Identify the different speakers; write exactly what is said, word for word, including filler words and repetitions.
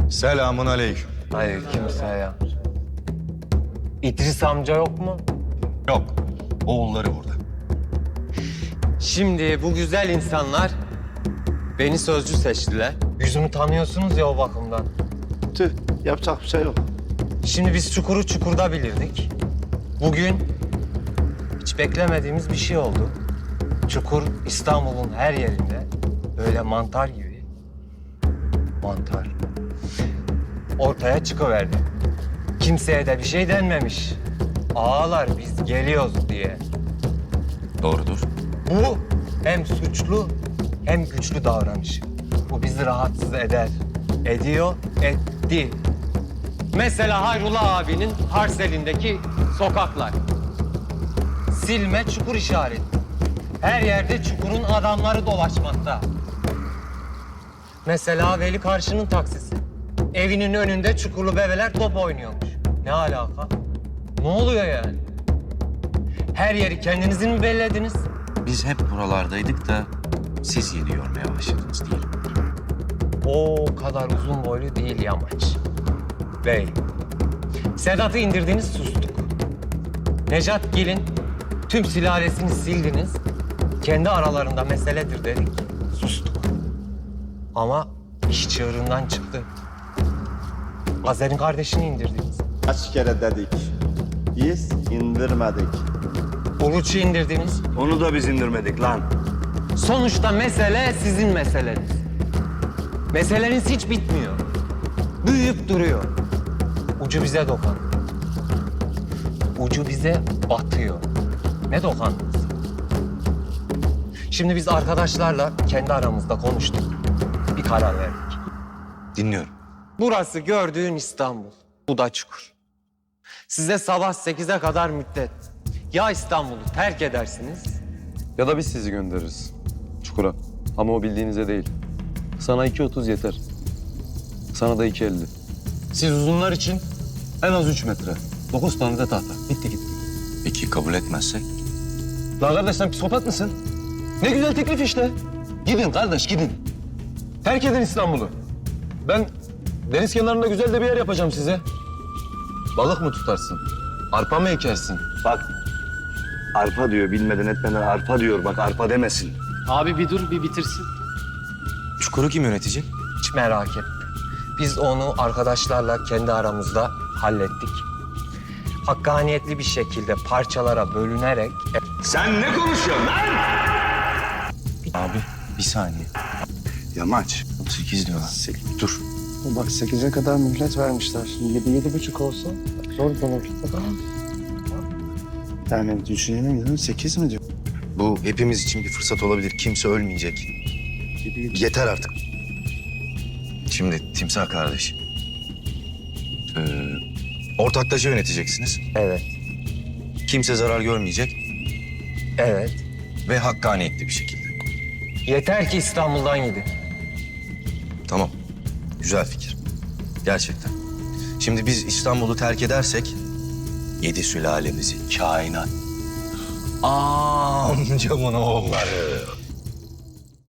Speaker 1: Selamun aleyküm.
Speaker 2: Aleykümselam. İdris amca yok mu?
Speaker 1: Yok, oğulları burada.
Speaker 2: Şimdi bu güzel insanlar beni sözcü seçtiler. Yüzümü tanıyorsunuz ya o bakımdan.
Speaker 3: Tüh, yapacak bir şey yok.
Speaker 2: Şimdi biz çukuru çukurda bilirdik. Bugün hiç beklemediğimiz bir şey oldu. Çukur İstanbul'un her yerinde böyle mantar gibi. Mantar. Ortaya çıkıverdi. Kimseye de bir şey denmemiş. Ağalar biz geliyoruz diye.
Speaker 1: Doğrudur.
Speaker 2: Bu hem suçlu hem güçlü davranış. Bu bizi rahatsız eder. Ediyor, etti. Mesela Hayrullah abinin Harsel'indeki sokaklar. Silme çukur işareti. Her yerde çukurun adamları dolaşmakta. Mesela Veli Karşı'nın taksisi. Evinin önünde çukurlu bebeler top oynuyormuş. Ne alaka? Ne oluyor yani? Her yeri kendinizin mi bellediniz?
Speaker 4: Biz hep buralardaydık da siz yeni yormaya başladınız değil mi?
Speaker 2: O kadar uzun boylu değil yamaç. Bey, Sedat'ı indirdiniz, sustuk. Necat Gil'in tüm sülalesini sildiniz. Kendi aralarında meseledir dedik, sustuk. Ama iş çığırından çıktı. Azer'in kardeşini indirdiniz.
Speaker 3: Kaç kere dedik. Biz indirmedik.
Speaker 2: Uluç'u indirdiniz.
Speaker 4: Onu da biz indirmedik lan.
Speaker 2: Sonuçta mesele sizin meseleniz. Meseleniz hiç bitmiyor. Büyüyüp duruyor. Ucu bize dokandı. Ucu bize batıyor. Ne dokandınız? Şimdi biz arkadaşlarla kendi aramızda konuştuk. Bir karar verdik.
Speaker 4: Dinliyorum.
Speaker 2: Burası gördüğün İstanbul. Bu da çukur. Size sabah sekize kadar müddet. Ya İstanbul'u terk edersiniz
Speaker 5: Ya da biz sizi göndeririz çukura. Ama o bildiğinize değil. Sana iki otuz yeter. Sana da iki elli. Siz uzunlar için en az üç metre. Dokuz tane de tahta. Bitti gitti.
Speaker 4: Peki kabul etmezsek?
Speaker 5: La kardeş sen psikopat mısın? Ne güzel teklif işte. Gidin kardeş gidin. Terk edin İstanbul'u. Ben deniz kenarında güzel de bir yer yapacağım size. Balık mı tutarsın? Arpa mı ekersin?
Speaker 4: Bak arpa diyor bilmeden etmeden arpa diyor bak arpa demesin.
Speaker 6: Abi bir dur bir bitirsin.
Speaker 4: Çukuru kim yönetecek?
Speaker 2: hiç merak etme. Biz onu arkadaşlarla kendi aramızda hallettik. Hakkaniyetli bir şekilde parçalara bölünerek
Speaker 4: Sen ne konuşuyorsun lan? Abi bir saniye. Yamaç. Sekiz diyorlar. Sekiz. Dur.
Speaker 3: Bak sekize kadar mühlet vermişler. Yedi, yedi buçuk olsa zor olur. Yani düşünelim dedim, sekiz mi diyor?
Speaker 4: Bu hepimiz için bir fırsat olabilir. Kimse ölmeyecek. Yeter artık. Şimdi Timsah kardeş. Ee, ortaklaşa yöneteceksiniz.
Speaker 2: evet,
Speaker 4: Kimse zarar görmeyecek
Speaker 2: evet.
Speaker 4: ve hakkaniyetli bir şekilde.
Speaker 2: Yeter ki İstanbul'dan gidin.
Speaker 4: Tamam. Güzel fikir. Gerçekten. Şimdi biz İstanbul'u terk edersek yedi sülalemizi, kainat, amcamın oğulları,